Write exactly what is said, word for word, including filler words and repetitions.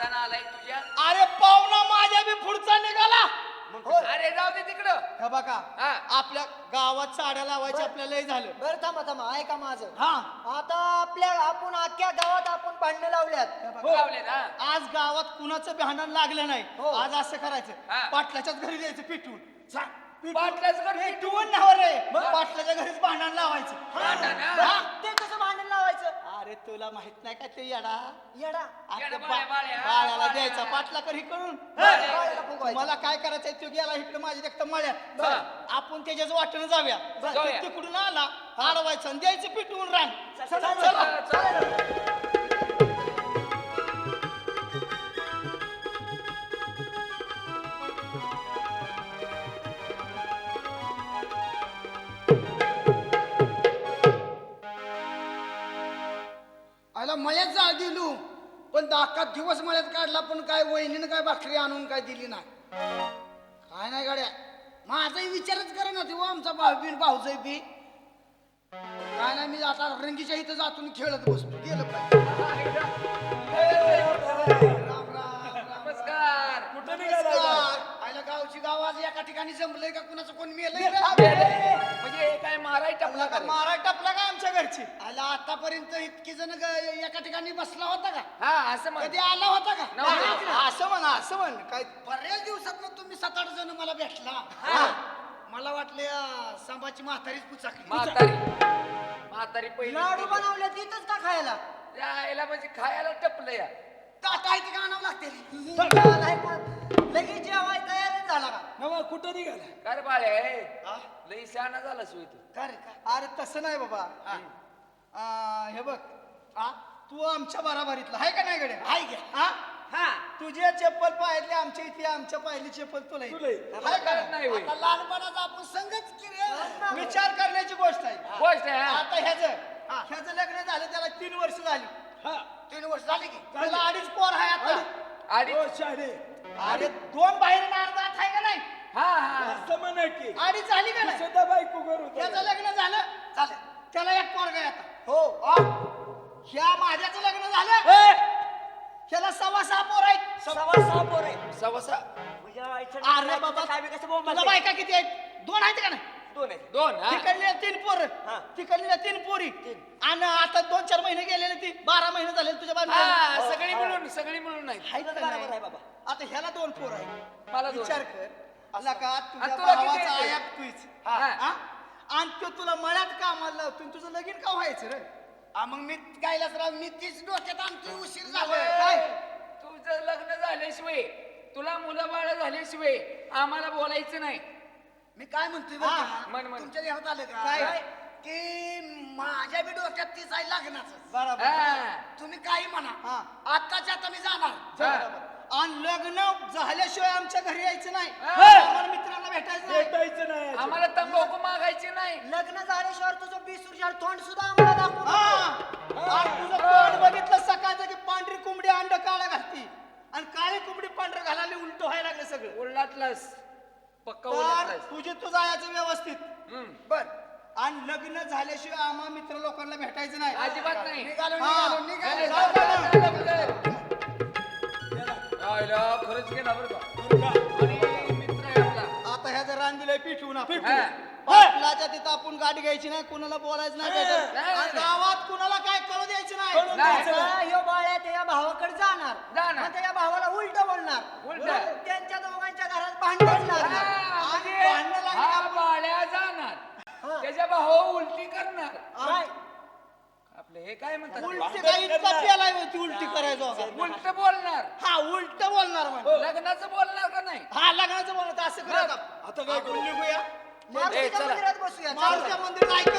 पाहुणा आलाय तुझ्या. अरे पाहुणा माझ्या बी पुढचा निघाला. अरे जाऊ दे तिकडं. हे बघा हा. आपल्या गावात साड्या लावायची आपल्याला लय झालं. बरं थांबा थांबा ऐका माझं. हा आता आपल्या आपण अख्ख्या गावात आपण भांडणं लावल्यात. लावले ना. आज गावात कुणाचं भांडण लागलं नाही. हो. आज असं करायचं हा. पाटलाच्याच घरी द्यायचं पिटून. पाटलाच घर पिटवून नाव रे पाटलाच्या घरीच भांडण लावायचं. भांडण, हा. हा, ते कसं भांडण लावायचं? अरे तुला माहित नाही का ते येडा येडा आता येडा बा- बाळ्या, बाळ्या, हा, बाळ्याला बाळ्या. द्यायचा पाटला कर इकडून. बाळ्याला फुगवायचं. मला काय करायचंय तो गेला इकडे माझी देखता मळ्यात. हा. आपण त्याच्याच वाटेनं जाऊया. जाऊया. तो तिकडून आला अडवायचं आणि द्यायचं पिटवून रान. चला, चला. चला, चला. आयला मळ्यात जा दिलू पण दाकात दिवस मळ्यात काढला पण काय वहिनीनं काय भाकरी आणून काय दिली नाही. काय नाही गाड्या माझाही विचारच करे ना तेव्हा आमचा भाऊ बी भाऊजाई बी काय नाही. मी आता रंगीच्या इथं जातून खेळत बसतो गेलं पाहिजे. राम राम राम नमस्कार. कुठं निघाला? आयला गावची गाव आज एका ठिकाणी जमलंय का कुणाचं कोण मेलंय रे? म्हणजे हे काय माराय टाकला का रे? मारा टपला काय आमच्या घरची. आयला आतापर्यंत इतकी जण ग- एका ठिकाणी बसला होता का? हा असं म्हण. कधी आला होता का? नव्हता. हा, असं म्हण असं म्हण काय बऱ्याच दिवसात तुम्ही सात आठ जण मला भेटला. हा. मला वाटले अं, सांबाची म्हातारीच पुचाकली. म्हातारी म्हातारी पहिली लाडू बनवले तिथंच का खायला? यायला म्हणजे खायला टपलं या. ताट आहे ते का आणावं लागते? नाही पण लगेच जेवाय तयारच झाला का? नवा कुठं निघाला? काय रे बाळे हा? लई शहाणा झाला सोय तू. का रे का? अरे तसं नाही बाबा. आ, हे बघ आ, तू आमच्या बराबरीतला आहे का नाही गड्या? आहे घ्या. हा हा तुझ्या चप्पल पाहिली आमच्या इथे आमच्या पाहिली चप्पल तुला इथे. मला कळत नाही होय. आता लहानपणाचा आपण संगच की रे. विचार करण्याची गोष्ट आहे. गोष्ट आहे हा. आता ह्याचं ह्याचं लग्न झालं त्याला तीन वर्ष झाली. तीन वर्ष झाली की त्याला अडीच पोर आहे आता. आणि अरे दोन बाहेर अर्धा आहे का नाही? हा हा अडीच झाली का नाही? त्याचं लग्न झालं चालेल. त्याला एक पोरगा आहे आता. हो आ, ह्या माझ्याचं लग्न झालं ह्याला सव्वा सहा पोर आहेत. सव्वा सहा पोर आहे. सवसा अरे बाबा तुला बायका किती आहेत? दोन आहेत का नाही? दोन आहे. दोन हा. तिकडल्या तीन पोर हा. तिकडल्या तीन पोरी आणि आता दोन चार महिने गेलेले ती बारा महिने झाले तुझ्या हा बाजूला सगळी मिळून सगळी मिळून नाही. बरोबर आहे बाबा. आता ह्याला दोन पोर आहे. मला दोन. विचार कर अला का तुझ्या आणि तुला किती भावाचा आहेत? आयात तुझ हा. हा? आणि तो तुला मळ्यात कामाला लावतो आणि तुझं लगीन का व्हायचं रे? आ, मग मी गायलाच राव मी तीच डोक्यात आणतोय उशीर झालं. काय तुझं लग्न झाल्याशिवाय तुला मुलं बाळ झाल्याशिवाय आम्हाला बोलायचं नाही. मी काय म्हणतोय बरं हा, का? म्हण, म्हण. तुमच्या ध्यानात आलं का? काय? की माझ्या बी डोक्यात तीच आहे लग्नाचं. बरोबर हा. तुम्ही काही म्हणा हा. आत्ताच्या आता मी जाणार. बरोबर. आणि लग्न झाल्याशिवाय आमच्या घरी यायचं नाही. हा. आम्हाला मित्रांना भेटायचं नाही. आम्हाला तंबाखू मागायची नाही. लग्न झाल्याशिवाय तुझं बीस वर्षाला तोंड सुद्धा आम्हाला दाखवू हा. नको. आणि तुझं तोंड बघितलं सकाळचं की पांढरी कोंबडी अंड काळा घालती आणि काळी कोंबडी पांढरं घालायला उलट व्हायला लागलं सगळं. उलटलास पक्का तर उलटलास. तुझे तू जायचं व्यवस्थित. हम्म. बर आणि लग्न झाल्याशिवाय आम्हा मित्र लोकांना भेटायचं नाही. अजिबात नाही. निघालो हा. निघालो निघालो नाही, जाऊ जाऊ, दे. जाऊ, जाऊ, जाऊ. आयला, खरंच गेला बरं का. आणि मित्र आहे आपला. आता ह्याचं रान दिलंय पिठवून आपण. हा. पाटलाच्या तिथं आपण गाडी घ्यायची नाही कुणाला बोलायचं नाही भेटायचं. नाही, आणि नाही. गावात कुणाला काय कळू द्यायचं नाही. नाही. आता ह्यो बाळ्या त्या भावाकडे जाणार जाणार. आणि त्या भावाला उलट बोलणार. उलटं. म्हणून त्यांच्या दोघांच्या घरात भांडण लागणार. हा, आणि म्हणजे भांडणं लागली हा का? बाळ्या जाणार हा. त्याच्या भाऊ उलटी करणार. काय? आपलं हे काय म्हणतात उलटी काय इतका पेलाय होती उलटी करायचो का? उलट बोलणार. हा उलट बोलणार म्हणजे. लग्नाचं बोलणार का नाही? हा लग्नाचं बोलत असं करत आता काय करून निघूया मारुतीच्या चला. मंदिरात बसूया. मारुतीच्या मंदिरात ऐक